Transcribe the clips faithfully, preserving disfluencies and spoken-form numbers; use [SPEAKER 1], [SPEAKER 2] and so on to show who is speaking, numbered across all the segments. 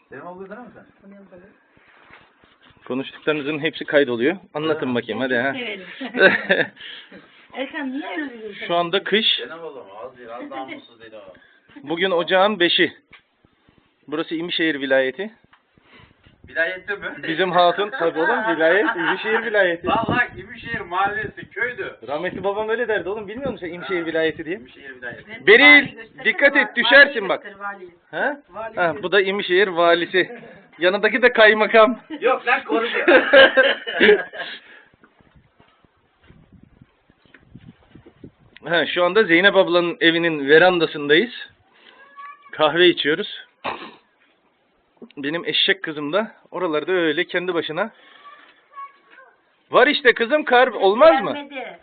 [SPEAKER 1] Senin olduğu değil mi sen?
[SPEAKER 2] Konuştuklarınızın hepsi kaydoluyor. Anlatın bakayım hadi ha.
[SPEAKER 3] Erkan niye öyle diyorsun?
[SPEAKER 2] Şu anda kış.
[SPEAKER 1] Senin oğlum az değil, az daha mutsuz değil o.
[SPEAKER 2] Bugün ocağın beşi. Burası İmişehir vilayeti.
[SPEAKER 1] Vilayette mi?
[SPEAKER 2] Bizim hatun tabii oğlum vilayet. İmişehir vilayeti.
[SPEAKER 1] Vallahi İmişehir mahallesi, köydü.
[SPEAKER 2] Rahmetli babam öyle derdi oğlum. Bilmiyor musun İmişehir vilayeti diye?
[SPEAKER 1] İmişehir vilayeti.
[SPEAKER 2] Beril dikkat et düşersin bak. Ha? Ha, bu da İmişehir valisi. Yanındaki de kaymakam.
[SPEAKER 1] Yok lan konuşuyor.
[SPEAKER 2] Ha, şu anda Zeynep ablanın evinin verandasındayız. Kahve içiyoruz. Benim eşek kızım da oralarda öyle kendi başına. Var işte kızım kar olmaz mı?
[SPEAKER 3] Gelmedi.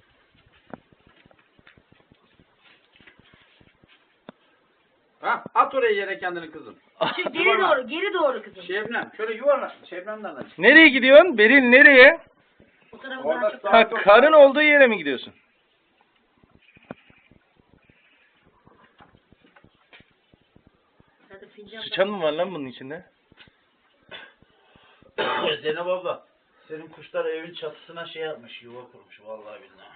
[SPEAKER 1] Ha, at oraya yere kendini kızım.
[SPEAKER 3] Şu geri doğru, geri doğru kızım.
[SPEAKER 1] Şebnem, şöyle yuvarla. Şebnem'den aç.
[SPEAKER 2] Nereye gidiyorsun? Beril nereye?
[SPEAKER 3] O tarafa
[SPEAKER 1] Orada
[SPEAKER 3] daha çok.
[SPEAKER 1] sağ-
[SPEAKER 2] Ha, karın olduğu yere mi gidiyorsun?
[SPEAKER 3] Hadi fincan.
[SPEAKER 2] Sıçan mı var lan bunun içinde?
[SPEAKER 1] Zeynep abla, senin kuşlar evin çatısına şey yapmış, yuva kurmuş vallahi billahi.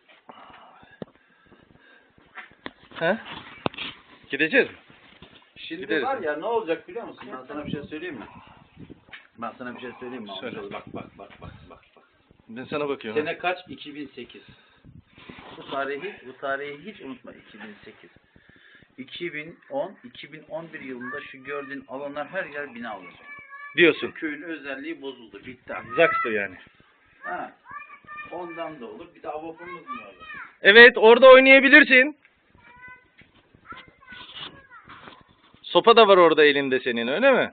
[SPEAKER 2] Ha? Gideceğiz mi?
[SPEAKER 1] Şimdi
[SPEAKER 2] Gideriz.
[SPEAKER 1] var ya ne olacak biliyor musun? Ben sana bir şey söyleyeyim mi? Ben sana bir şey söyleyeyim mi?
[SPEAKER 2] Söyle.
[SPEAKER 1] Bak bak bak bak bak bak.
[SPEAKER 2] Ben sana bakıyorum.
[SPEAKER 1] Sene kaç? iki bin sekiz. Bu tarihi bu tarihi hiç unutma iki bin sekiz. iki bin on, iki bin on bir yılında şu gördüğün alanlar her yer bina olacak.
[SPEAKER 2] Diyorsun.
[SPEAKER 1] Köyün özelliği bozuldu. Bitti.
[SPEAKER 2] Zakstı yani.
[SPEAKER 1] Ha. Ondan da olur. Bir de avokumuz mu var?
[SPEAKER 2] Evet orada oynayabilirsin. Sopa da var orada elinde senin öyle mi?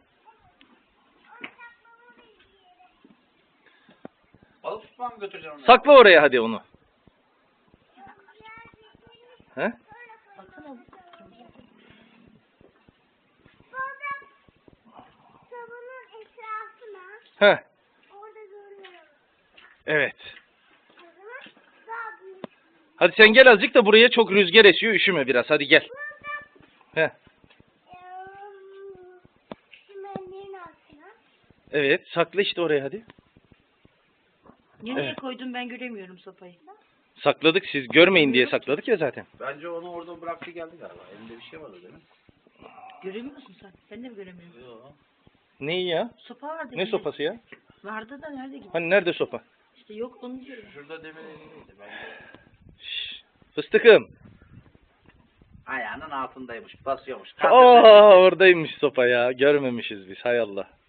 [SPEAKER 1] Alıp tutmam mı götüreceğim onu?
[SPEAKER 2] Sakla oraya hadi onu. He?
[SPEAKER 3] Baksana.
[SPEAKER 4] Sabunun etrafına
[SPEAKER 2] He.
[SPEAKER 4] orada görüyorum.
[SPEAKER 2] Evet.
[SPEAKER 4] O zaman daha büyük.
[SPEAKER 2] Hadi sen gel azıcık da buraya çok rüzgar esiyor üşüme biraz hadi gel. He.
[SPEAKER 4] Eee, Çimenlerin altına.
[SPEAKER 2] Evet sakla işte oraya hadi.
[SPEAKER 3] Nereye
[SPEAKER 2] Evet.
[SPEAKER 3] koydum ben göremiyorum sopayı.
[SPEAKER 2] Sakladık siz görmeyin diye sakladık ya zaten.
[SPEAKER 1] Bence onu orada bıraktı geldi galiba. Elinde bir şey var o değil mi?
[SPEAKER 3] Göremiyor musun sen? Ben de mi göremiyorum?
[SPEAKER 1] Yok.
[SPEAKER 2] Neyi ya?
[SPEAKER 3] Sopa vardı.
[SPEAKER 2] Ne sopası ya?
[SPEAKER 3] Vardı da nerede gitti?
[SPEAKER 2] Hani nerede sopa?
[SPEAKER 3] İşte yok onu diyorum.
[SPEAKER 1] Şurada demir elindeydi. Bence.
[SPEAKER 2] Şşş, fıstıkım.
[SPEAKER 1] Ayağının altındaymış. Basıyormuş.
[SPEAKER 2] Aa oradaymış sopa ya. Görmemişiz biz hay Allah.